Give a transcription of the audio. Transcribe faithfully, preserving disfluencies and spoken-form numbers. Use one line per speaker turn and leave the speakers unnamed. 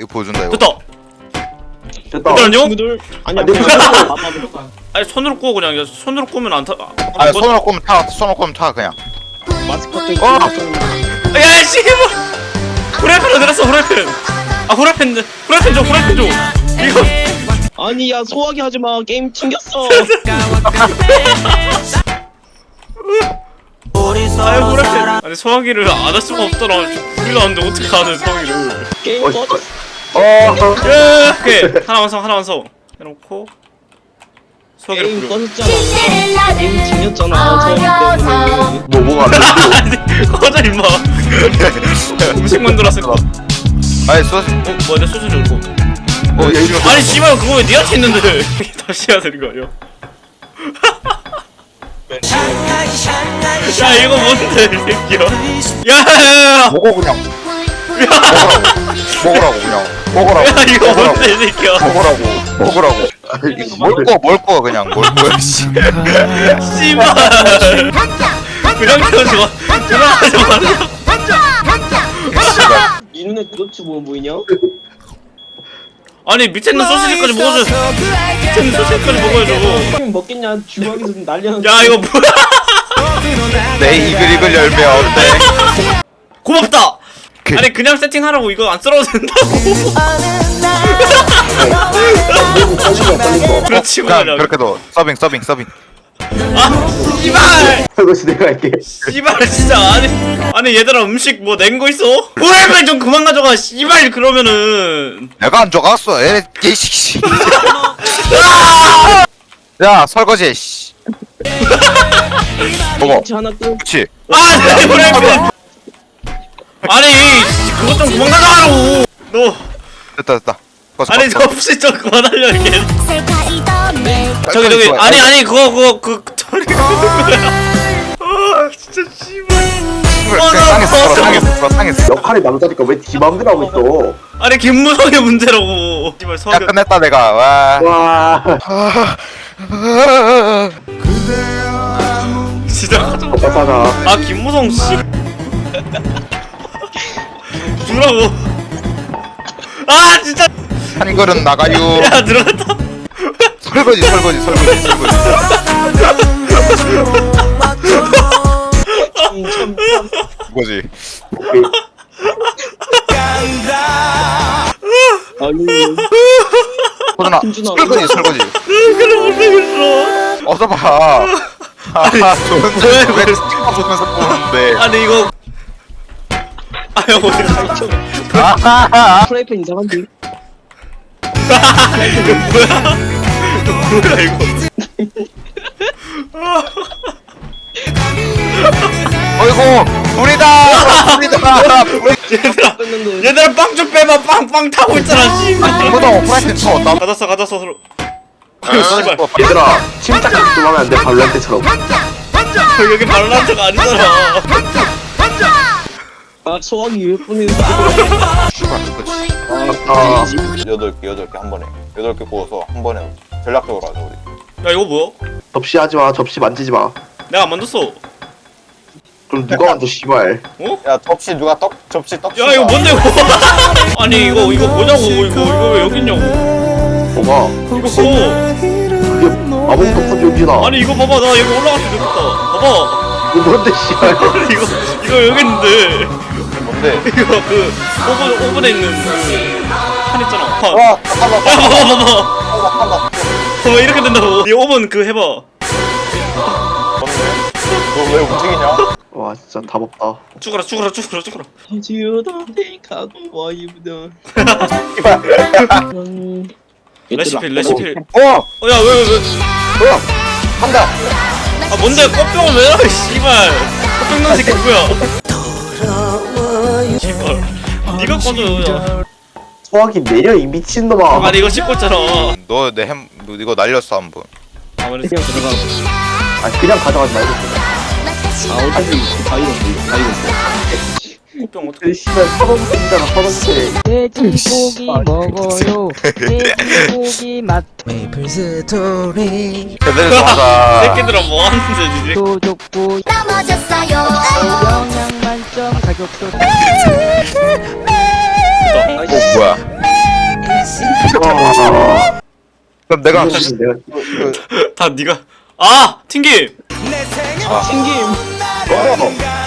이거 보여준다 이거.
됐다.
됐다.
됐다는요?
친구들 아니
아, 내
아니
아니 손으로 꼬 그냥 야, 손으로 꼬면 안 타.
아 손으로 꼽으면 타. 손으로 꼽으면 타 그냥.
마스코트
어!
야 씨발. 후라이팬 어디 갔어 후라이팬. 아 후라이팬 후라이팬 줘 후라이팬 줘. 이거.
아니 야 소화기 하지마 게임 튕겼어.
아유 후라이팬. 아니 소화기를 안 할 수가 없더라. 불이 나는데 어떻게 하는 소화기를.
게임
어,
꺼졌어.
어.
예. 오케이 하나 완성 하나 완성. 해놓고 소화기를
게임
뿌려.
꺼졌잖아. 게임 튕겼잖아. 소화기 때문에.
뭐 뭐가 안 돼?
아니 꺼져 임마. 음식 만들었을 거.
아니 소스.
어 뭐야 내 소주 줄고.
어 얘 이거.
아니 씨발 그거 왜 니한테 있는데 다시 해야 되는 거 아니야? 야 이거 뭔데 이 새끼야. 야야야야.
먹어 그냥. 먹으라고 그냥. 먹으라고.
야 이거
먹으라고.
뭔데 이 새끼야.
먹으라고. 먹으라고. 뭘 꺼? 뭘 꺼? 그냥 뭘 꺼? 씨.
씨발. 그냥 그러지 마. 그냥 하지 마.
이 눈에 도대체 뭐 보이냐?
아니 밑에 있는 소시지까지 먹어줘. 밑에 있는 소시지까지 먹어야죠.
게임 먹겠냐? 주방에서 난리하는.
야 이거 뭐야?
내 이글이글 열매 어때?
고맙다.
그-
아니 그냥 세팅하라고 이거 안 썰어도 된다고.
떨린 거 떨린 거.
그렇지
그냥
말이야.
그렇게도 서빙 서빙 서빙.
아 씨발.
설거지 내가 할게.
씨발 진짜 아니 아니 얘들아 음식 뭐 낸 거 있어? 후라이팬 좀 그만 가져가 씨발 그러면은.
내가 안 줘갔어. 에 개씨. 야 설거지. 씨. 먹어.
김치 하나 끄.
그렇지.
아내 후라이팬. 아니 그것 좀 그만 가져가라고. 너
됐다 됐다. 꺼져,
아니
꺼져.
접시 좀 그만하려 이게.
빨리,
저기 저기
빨리,
아니
빨리.
아니 그거 그거 그 저리 아 진짜 씨발.
그냥 땅에서
어,
썰어 땅에서 썰어 땅에서.
역할이 남자니까 왜 지 맘대로 하고 있어?
아니 김무성의 문제라고. 씨발
야
서겨.
끝냈다 내가. 와.
와.
진짜.
오빠잖아.
아 김무성 씨. 주라고. 아 진짜.
한 그릇 나가요.
야 들어갔다.
설거지 설거지 설거지 설거지.
참, 참.
뭐지?
오케이.
아니
호준아
김준아.
설거지 설거지.
그래 못하겠어.
어서 봐. 아 좋은데 왜 찍어 보면서 보는데?
아니 이거. 아유 어디
아하하.
프라이팬 이상한데.
이거 뭐야? 이거 뭐야 이거?
어이구 불이다 불이다 불이.
얘들아
뺐는데.
얘들아 빵 좀 빼봐. 빵 빵 타고 있잖아 씨발.
이거도 프라이팬 쳐. 나
가졌어 가졌어 서로. 아유 씨발.
얘들아 침착하게 좀 하면 안 돼? 발란테처럼.
여기 발란트가 아니잖아.
아 소화기 왜 보내는
아.
여덟 개 여덟 개 한 번에 여덟 개 구워서 한 번에 전략적으로 하자 우리.
야 이거 뭐야?
접시 하지 마. 접시 만지지 마.
내가 안 만졌어.
그럼 누가 만져 씨발.
야 접시 누가 떡 접시 떡.
야 이거 뭔데 이거? 아니 이거 이거 뭐냐고 이거 이거 왜 여기 있냐고.
뭐가?
이거
그게 아무것도 없어 여기나.
아니 이거 봐봐 나 여기 올라갈 수 있겠다. 봐봐.
이거 뭔데 씨발.
이거 이거 여기 있는데
뭔데?
이거 그 오븐 오븐에 있는 그판 있잖아. 판.
와 잠깐만
야 봐봐 봐봐.
잠깐만 잠깐만.
봐봐 이렇게 된다고. 이 오븐 그 해봐.
뭔데? 너 왜 움직이냐?
와 진짜 답 없다.
죽어라 죽어라 죽어라 죽어라.
지우다 테이크아웃 와이브다.
레시피 레시피.
어
어야 왜 왜 왜?
어 한다.
아 뭔데 꽃병을 왜 넣어 씨발. 꽃병 넣은 새끼 누구야? 씨발. 니가 꺼져.
소화기 내려 이 미친놈아.
아니 이거 씻고 있잖아.
너 내 햄 이거 날렸어 한 번.
가만히
그냥 들어가.
아 그냥 가져가지 말고.
아 어차피 다 익었어. 다 익었어.
꽃병 어떻게?
그 씨발 서범생이잖아 서범생.
돼지고기 먹어요. 돼지고기 맛. 메이플 스토리.
제대로 좀 하자.
새끼들아 뭐 하는데 니네?
또 좋고
넘어졌어요.
영양 만점 가격도.
어 뭐야? 그럼 내가
이거는 내가
다 네가 아 튕김
튕김.
어,